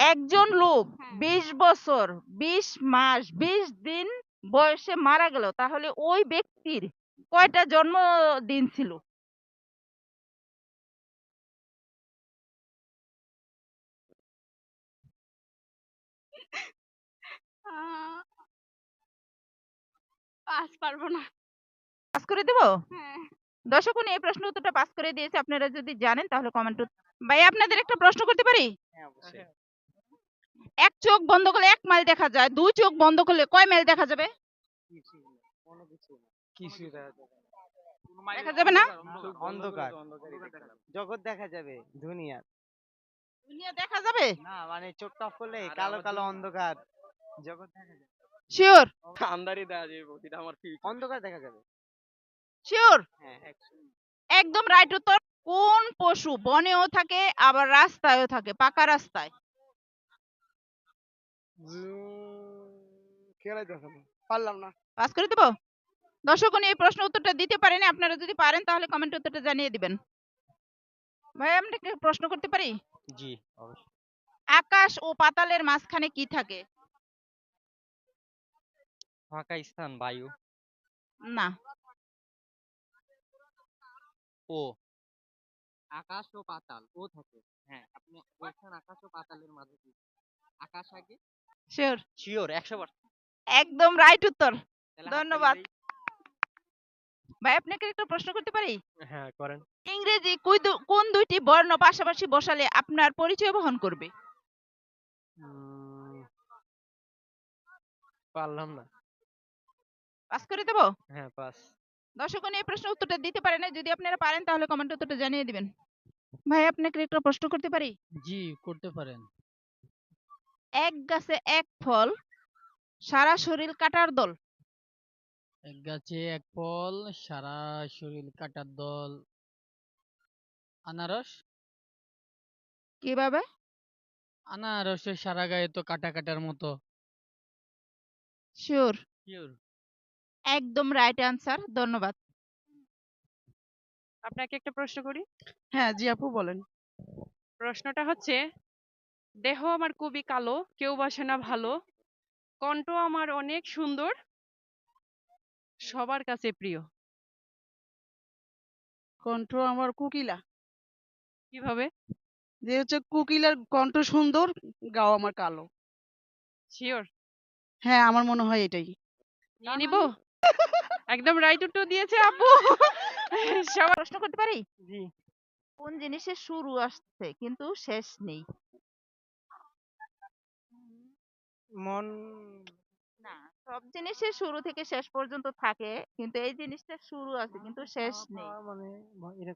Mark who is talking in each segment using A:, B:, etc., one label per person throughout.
A: একজন লোক 20 বছর 20 মাস 20 দিন বয়সে মারা গেল, তাহলে ওই ব্যক্তির কয়টা জন্মদিন ছিল?
B: পাস পারবো না।
A: পাস করে দেব?
B: হ্যাঁ।
A: দর্শক এই প্রশ্ন উত্তরটা পাস করে দিয়েছে। আপনারা যদি জানেন তাহলে কমেন্ট। ভাই আপনাদের একটা প্রশ্ন করতে পারি?
C: হ্যাঁ অবশ্যই।
A: এক চোখ বন্ধ করলে 1 মাইল দেখা যায়, দুই চোখ বন্ধ করলে কয় মাইল দেখা যাবে?
C: কোনো কিছু
A: দেখা যাবে না?
C: অন্ধকার জগৎ দেখা যাবে, দুনিয়া
A: দুনিয়া দেখা যাবে?
C: না, মানে চোখটা অফ করলে কালো কালো অন্ধকার জগৎ দেখা যাবে।
A: শিওর?
D: আন্দারি দেয়া যাবে, এটা আমার ফিউচার।
C: অন্ধকার দেখা যাবে।
A: শিওর?
C: হ্যাঁ
A: একদম রাইট উত্তর। কোন পশু বনেও থাকে আবার রাস্তায়ও থাকে, পাকা রাস্তায়?
C: খেলাই দেখো না, পারলাম না।
A: পাস করে দেব? দর্শক এই প্রশ্ন উত্তরটা দিতে পারেনি। আপনারা যদি পারেন তাহলে কমেন্ট উত্তরটা জানিয়ে দিবেন। ভাই আপনাকে প্রশ্ন করতে পারি?
C: জি অবশ্যই।
A: আকাশ ও পাতালের মাঝখানে কি থাকে?
C: ফাঁকা স্থান, বায়ু।
A: না।
C: ও আকাশ ও পাতাল ও থাকে। হ্যাঁ আপনি বলছেন আকাশ ও পাতালের মাঝে কি আকাশ আগে?
A: শিওর?
C: শিওর 100%।
A: একদম রাইট উত্তর।
C: তাহলে
A: ধন্যবাদ। ভাই আপনাকে একটা প্রশ্ন করতে পারি?
C: হ্যাঁ করেন।
A: ইংরেজি কোন দুইটি বর্ণ পাশাপাশি বসালে আপনার পরিচয় বহন করবে?
C: পারলাম না।
A: পাস করে দেব?
C: হ্যাঁ পাস।
A: দর্শক এই প্রশ্ন উত্তরটা দিতে পারে না। যদি আপনারা পারেন তাহলে কমেন্ট উত্তরটা জানিয়ে দিবেন। ভাই আপনাকে একটা প্রশ্ন করতে পারি?
E: জি করতে পারেন।
A: এক গাছে এক ফল, সারা শরীর কাটার দল।
E: এক গাছে এক ফল, সারা শরীর কাটার দল। আনারস।
A: কিভাবে?
E: আনারসের সারা গায়ে তো কাটা কাটার মতো।
A: শিওর?
E: শিওর।
A: একদম রাইট আনসার। ধন্যবাদ।
B: আপনাকে একটা প্রশ্ন করি?
F: হ্যাঁ জি আপু বলেন।
B: প্রশ্নটা হচ্ছে, দেহ আমার খুবই কালো, কেউ বাসে না ভালো, কণ্ঠ আমার অনেক সুন্দর, সবার কাছে প্রিয়।
F: কণ্ঠ আমার কোকিলা।
B: কিভাবে?
F: যে হচ্ছে কোকিলার কণ্ঠ সুন্দর, গাও আমার কালো।
B: শিওর?
F: হ্যাঁ আমার মনে হয় এটাই।
B: নিয়ে নিব? একদম রাইট উত্তর দিয়েছে আপু। সবার
A: প্রশ্ন করতে পারি?
C: জি।
A: কোন জিনিসের শুরু আসছে কিন্তু শেষ নেই?
C: মন।
A: না, সব জিনিসের শুরু থেকে শেষ পর্যন্ত থাকে, কিন্তু এই জিনিসটার শুরু আছে কিন্তু শেষ নেই।
C: মানে এটা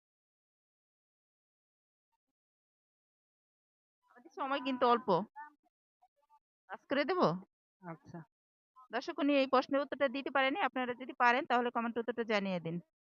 A: আমাদের সময় কিন্তু অল্প। পাস করে দেব?
C: আচ্ছা।
A: দর্শক এই প্রশ্নের উত্তরটা দিতে পারেনি। আপনারা যদি পারেন তাহলে কমেন্ট উত্তরটা জানিয়ে দিন।